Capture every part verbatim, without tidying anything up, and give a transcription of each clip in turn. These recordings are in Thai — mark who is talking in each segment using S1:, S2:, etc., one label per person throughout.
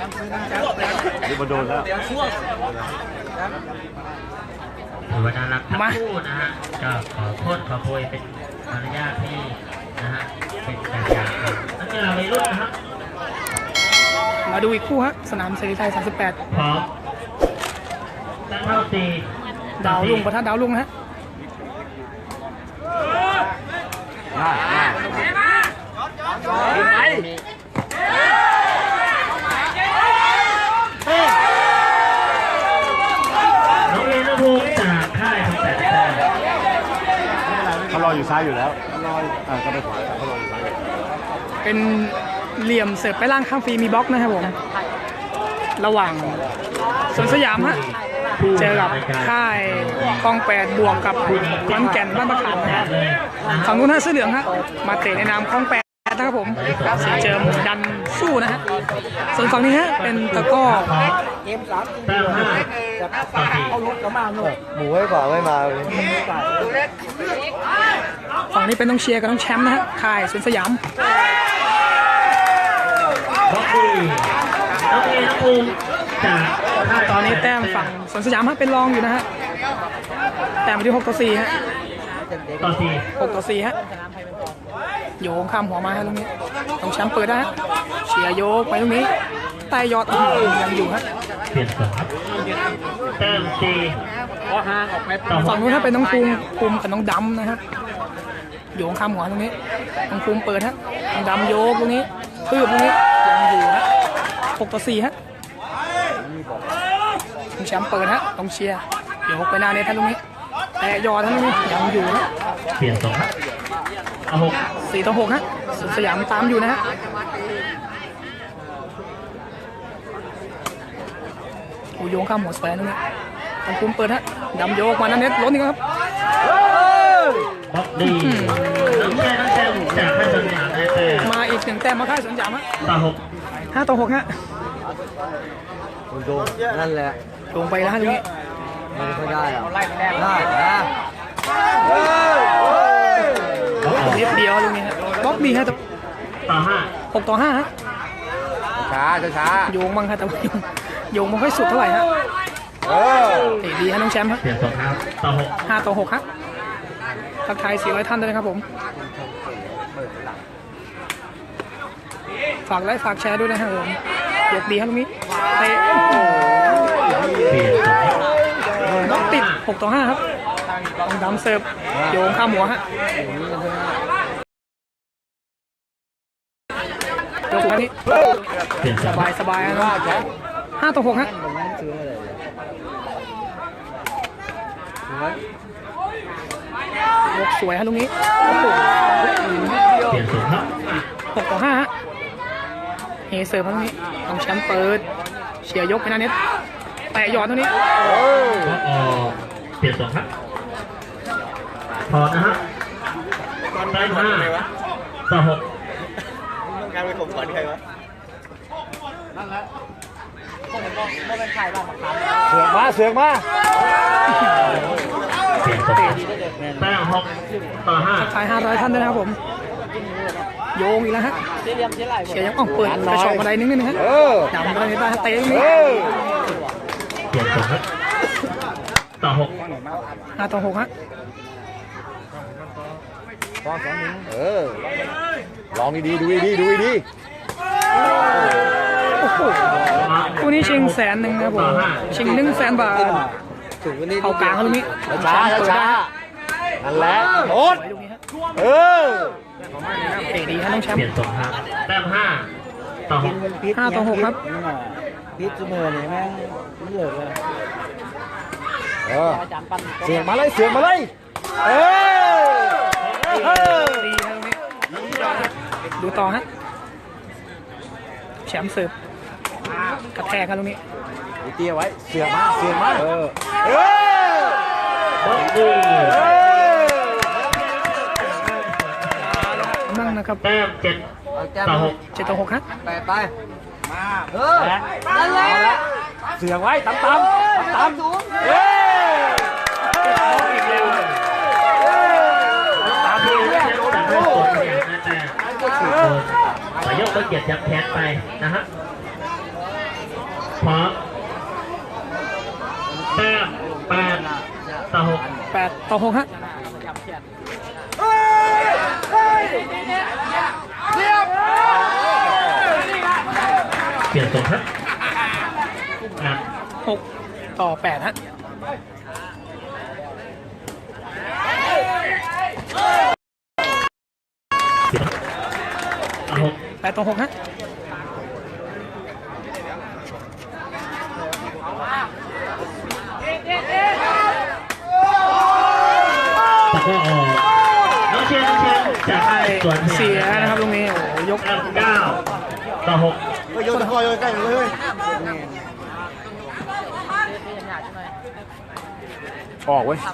S1: นี่มาโดนแล้ว
S2: ถือว่าน่ารักทั้งคู่นะฮะก็ขอโทษขอโพยเป็นมารยาทที่นะฮะเป็นแบบอย่างนักกีฬาวัยรุ่นนะครับ
S3: มาดูอีกคู่ฮะสนามเสรีไทยสามสิบแปด
S2: พร้อมตั้งเท่าตี
S3: ดาวลุงประทัดดาวลุงนะฮะ
S1: ง่ายง่ายไหม
S2: น้องเรนภูมิจากค่ายของแต่แต่
S1: เขารออยู่ซ้ายอยู่แล้วรออ่าก็ไปขวาเขารออยู่ซ้าย
S3: เป็นเหลี่ยมเสิร์ฟไปล่างข้างฟรีมีบล็อกนะครับผมระหว่างสวนสยามฮะเจอกับค่ายคลองแปดบวกกับขอนแก่นบ้านประขามนะฮะฝั่งนู้นฮะเสื้อเหลืองฮะมาเตะในนามคลองแปดนะครับผมสีเจิมดันสู้นะฮะส่วนฝั่งนี้ฮะเป็นตะก้อ
S2: เกมสามแต้มห้า
S1: เขาลุกก็มาหน่อยหมูไว้กว่าไม่มาเลย
S3: ฝั่งนี้เป็นน้องเชียร์กับน้องแชมป์นะฮะค่ายสวนสยาม
S2: บล็อกดีน้องเรนภูมิจาก
S3: ตอนนี้แต้มฝั่งสวนสยามฮะเป็นรองอยู่นะฮะแต้มที่หกต่อสี่ฮะ
S2: ต่อสี่
S3: หกต่อสี่ฮะโยงข้ามหัวมาฮะตรงนี้ต้องแชมป์เปิดได้ฮะเชียร์โยกไปตรงนี้ใต้ยอดยังอยู่ฮะ
S2: เปลี่ยนสองแต้มสี่
S3: ฝั่งนู้นถ้าเป็นน้องภูมิภูมิกับน้องดำนะฮะโยงข้ามหัวตรงนี้น้องภูมิเปิดฮะน้องดำโยกตรงนี้คืบตรงนี้ยังอยู่ฮะหกต่อสี่ฮะต้องแชมป์เปิดฮะต้องเชียร์โยกไปหน้าเน็ตท่านตรงนี้แต่ยอดท่านตรงนี้ยังอยู่ฮะ
S2: เปลี่ยนสองเอาหก
S3: สี่ต่อหกฮะสยามตามอยู่นะฮะโอ้โยงข้ามหัวแสนตรงนี้ต้องคุมเปิดฮะดำโยกมาหน้าเน็ตล้นอีกครับ
S2: บล็อกดีน้องแก้น้องแก้จากค่ายสวนสยามได้แต้ม
S3: มาอีกหนึ่งแต้มมาค่ายสวนสยามฮะ
S2: ต่อหก
S3: ห้าต่อหกฮะ
S1: โดนนั่นแหละ
S3: ลงไปแล้วฮะตรงนี้
S1: ไม่ได้อะได้นะ
S3: นิดเดียวตรงนี้ฮะบล็อกดีฮะ
S2: ต่อห้า
S3: หกต่อห้าฮะ
S1: ช้าช้า
S3: โยงบ้างฮะแต่โยงไม่ค่อยสุดเท่าไหร่ฮะ
S1: เออ
S3: ดีฮะน้องแชมป์ฮะ
S2: เปลี่ยนสองครับต่อหก
S3: ห้าต่อหกฮะทักทายสี่ร้อยท่านด้วยนะครับผมฝากไลค์ฝากแชร์ด้วยนะครับผมยกดีครับตรงนี้เตะน้องติดหกต่อห้าครับต้องดำเสิร์ฟโยงข้ามหัวฮะโยกอันนี้สบายสบายนะห้าต่อหกฮะยกสวยฮะตรงนี้หกต่อห้าฮะเฮเสิร์ฟตรงนี้ต้องแชมป์เปิดเชียร์ยกไปหน้าเน็ตแตะหยอดตรงนี้
S2: เปลี่ยนสองครับพอนะฮะได้ห้าต่อหก
S1: ต้องการไปข่มขวัญใครวะนั่นแหละพวกมันก็ไม่เป็นใครบ้างเสือกมาเสือกมา
S2: เปลี่ยนสองแต้มหกต่อห้า
S3: ขายห้าร้อยท่านด้วยนะครับผมโยงอีกแล้วฮะเชียร์ยังอ่องเปิดกระชอกอะไรนิดนึงนะฮะดำอะไรบ้างเตะตรงนี้
S2: เปลี่ยนสองครับต่อหก
S3: ห้าต่อหกฮะ
S1: เออลองดีๆดูดีๆดูดี
S3: โอ้โหคู่นี้ชิงแสนหนึ่งนะผมชิงหนึ่งแสนบาทเอากลางตรงนี้
S1: ช้าช้านั่นแหละโคตรเออ
S3: เตะดีฮะน้องแชมป์
S2: เปลี่ยนสองครับแต้มห้าต่อหก
S3: ห้าต่อหกครับ
S1: พิษเสมอเนี่ยแม่งไม่เหลือเลยเออเสียงมาเลยเสียงมาเลยเออ
S3: ดีฮะตรงนี้ดูต่อฮะแชมป์เสิร์ฟกระแทกกันตรงนี้
S1: เตี้ยไว้เสียงมาเสียงมาเออเอ
S3: อมั่งนะครับ
S2: แต้มเจ็ดต่อหก
S3: เจ็ดต่อหกฮะ
S1: แปดไปมาเออนั่นแหละเสียงไว้ตำตำตำสูงเฮ้ย
S2: อีกแล้วตามที่เรียกจากเรื่องตัวอย่างนะแต่ขอยกเกียรติยับแขนไปนะฮะพร้อมแต้มแปดต่อหก
S3: แปดต่อหกฮะ
S2: เปลี่ยนส่งครับนัด
S3: หกต่อแปดฮะ
S2: เอาหก
S3: แปดต่อหกฮะ
S2: ตะก็ออกน้องเชียร์น้องเชียร์จะให้ส่วน
S3: เสียนะครับตรงนี้โอ้โหยก
S2: แต้มเก้าต่อหก
S1: เฮ้ยโยนตะกร้อโยนใกล้เลยเฮ้ยออกเว้ย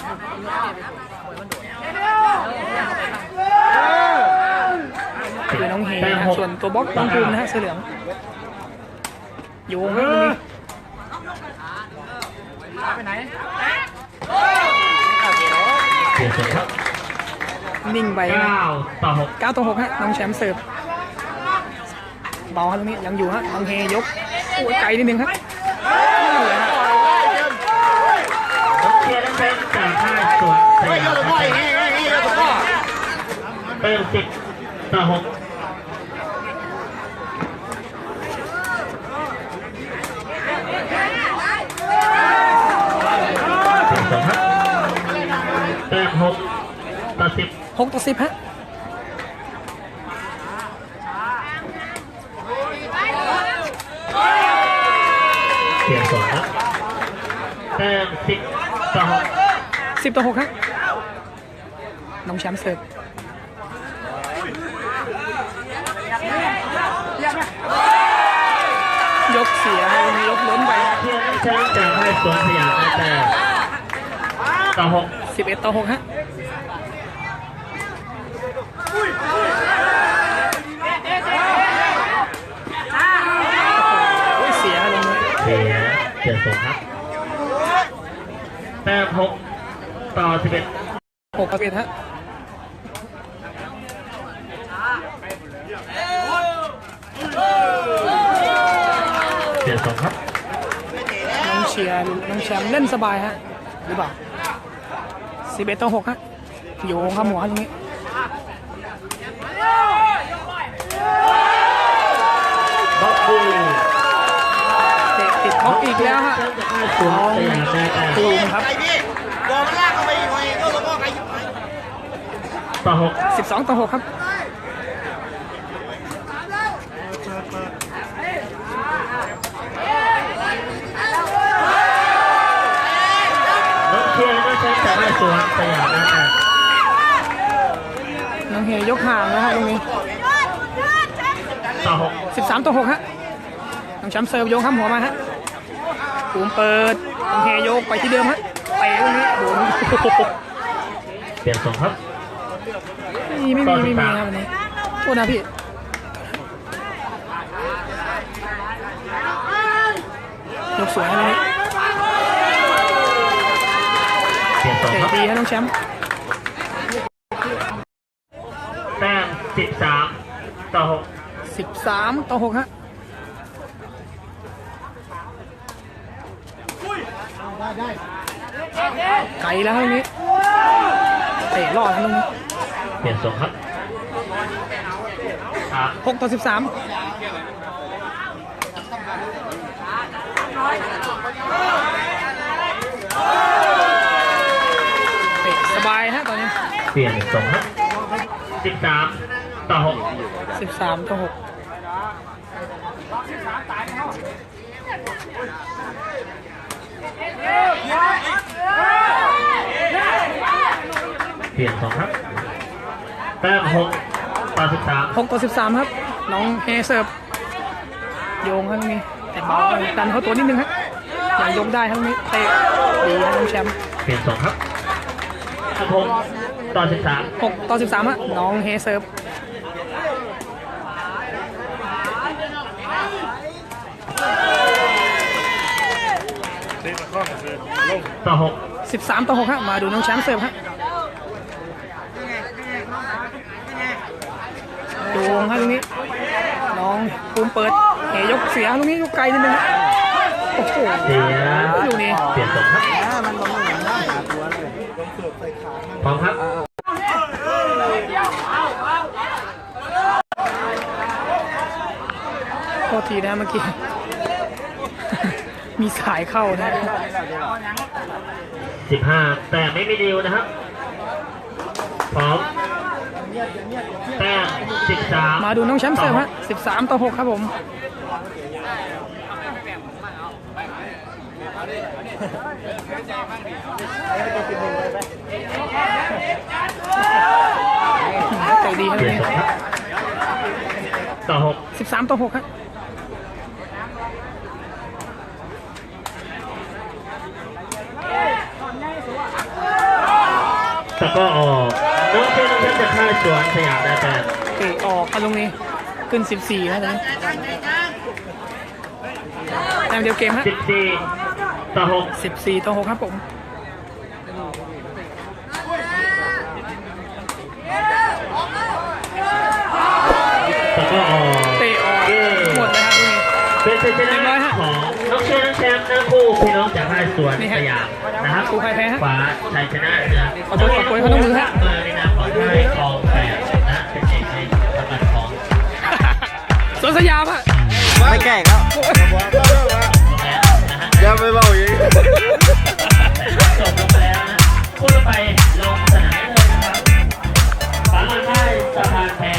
S3: คือน้องเฮนะส่วนตัวบล็อกน้องภูมินะฮะเสื้อเหลืองโยงให้ตรงนี้
S2: เปลี่ยนส่งครับ
S3: นิ่งไปนะ
S2: เก้าต่อหก
S3: เก้าต่อหกฮะน้องแชมป์เสิร์ฟเบาฮะตรงนี้ยังอยู่ฮะน้องเฮยกโอ้ยไกลนิดนึงครับ
S2: น้องเชียร์น้องเชียร์จะให้ส่วนส
S1: เฮ้ย
S2: ยา
S1: โยน
S2: ม
S1: ตะกร้ออย่างงี้อย่างงี้โยนตะกร้อ
S2: เติมสิบต่อหกเปลี่ยนส่งครับแต้มหกต่อสิบ
S3: หกต่อสิบฮะ
S2: เปลี่ยนส่งครับแต้มสิบต่อหก
S3: สิบต่อหกฮะน้องแชมป์เสิร์ฟยกเสียตรงนี้ยกล้นไป
S2: เชียร์น้องเชียร์จะให้สวนสยามได้แต้มต่อหก
S3: สิบเอ็ดต่อหกฮะโอ้ยเสียลงนี้
S2: เสียเปลี่ยนส่งครับแต้มหกต่อสิบเอ็ด
S3: หกต่อสิบเอ็ดฮะ
S2: เปลี่ยนส่งครับ
S3: น้องเชียร์น้องแชมป์เล่นสบายฮะหรือเปล่าสิบเอ็ดต่อหกฮะโยงข้ามหัวตรงนี้
S2: บล็อกบู
S3: เตะติดบล็อกอีกแล้วฮะ
S2: จะให้สวนสยามได้แต้ม
S3: ภูมิครับ
S1: ไอ้พี่บอลมันลากเข้าไปอีกหน่อยโยนตะกร้อไกลอยู่ไหน
S2: ต่อหก
S3: สิบสองต่อหกครับ
S2: น้องเชียร์น้องเชียร์จะให้สวนสยามได้แต้ม
S3: น้องเฮยกห่างนะครับตรงนี้
S2: ต่อหก
S3: สิบสามต่อหกฮะน้องแชมป์เสิร์ฟโยงข้ามหัวมาฮะภูมิเปิดน้องเฮโยกไปที่เดิมฮะเตะตรงนี้โดน
S2: เปลี่ยนส่งครับ
S3: ไม่มีไม่มีไม่มีครับวันนี้โทษนะพี่ยกสวยนะวันนี้
S2: เปลี่ยนส่ง
S3: เตะ
S2: ครับ
S3: ดีฮะน้องแชมป์
S2: แต้มสิบสามต่อหก
S3: สิบสามต่อหกฮะไกลแล้วครับตรงนี้เตะรอดครับตรงนี้
S2: เปลี่ยนส่งครับอ่ะ
S3: หกต่อสิบสามเตะสบายฮะตอนนี้
S2: เปลี่ยนส่งครับสิบสามต่อหก
S3: สิบสามต่อหก
S2: เปลี่ยนส่งครับแต้มหกต่อสิบสาม
S3: หกต่อสิบสามครับน้องเฮเซิร์ฟโยงครับตรงนี้แต่เบาดันเขาตัวนิดนึงฮะยังยกได้ครับตรงนี้เตะดีครับน้องแชมป์
S2: เปลี่ยนส่งครับหกต่อสิบสาม
S3: หกต่อสิบสามฮะน้องเฮเซิร์ฟ
S2: ต่อหก
S3: สิบสามต่อหกฮะมาดูน้องแชมป์เสิร์ฟฮะโยงฮะตรงนี้น้องภูมิเปิดเฮยกเสียตรงนี้ยกไกลนิดนึงฮะอ้โห
S2: เสีย
S3: ดูนี่
S2: เปลี่ยนตรงครับพร้อมครับ
S3: โทษทีนะเมื่อกี้ มีสายเข้านะ
S2: สิบห้าแต่ไม่มีดิวนะครับพร้อมแต้มสิบสาม
S3: มาดูน้องแชมป์เสิร์ฟฮะสิบสามต่อหกครับผมใจดีครับ
S2: เปลี่ยน
S3: นี่
S2: ตรงครับต่อหก
S3: สิบสามต่อหกครับ
S2: แต่ก็ออกน้องเชนน้องเชนจะฆ่าสวนสยามได้แต่
S3: เตะออกครับตรงนี้ขึ้นสิบสี่นะตอนนี้แต้มเดียวเกมฮะ
S2: สิบสี่ต่อหก
S3: สิบสี่ต่อหกครับผม
S2: แต่ก็ออก
S3: เตะออกหมดเลยครับตรงนี้
S2: เป็นชัยชนะของน้องเชนน้องแชมป์ทั้งคู่พี่น้องจากค่ายสวนสยามนะครับ
S3: คู่ใครแพ้ฮะ
S2: ขวาชัยชนะเหนือ
S3: ขอโทษขอโทษเขาต้องมือฮะ
S2: มาในนามของค่ายกองแปดนะเป็นเอกในตำแหน่งของ
S3: สวนสยามฮะ
S1: ไม่แก่งแล้วอย่าไปเบาอย่างนี้
S2: จบลงไปแล้วนะพูดไปลงสนามเลยนะครับฝาลานได้สะพานแพ้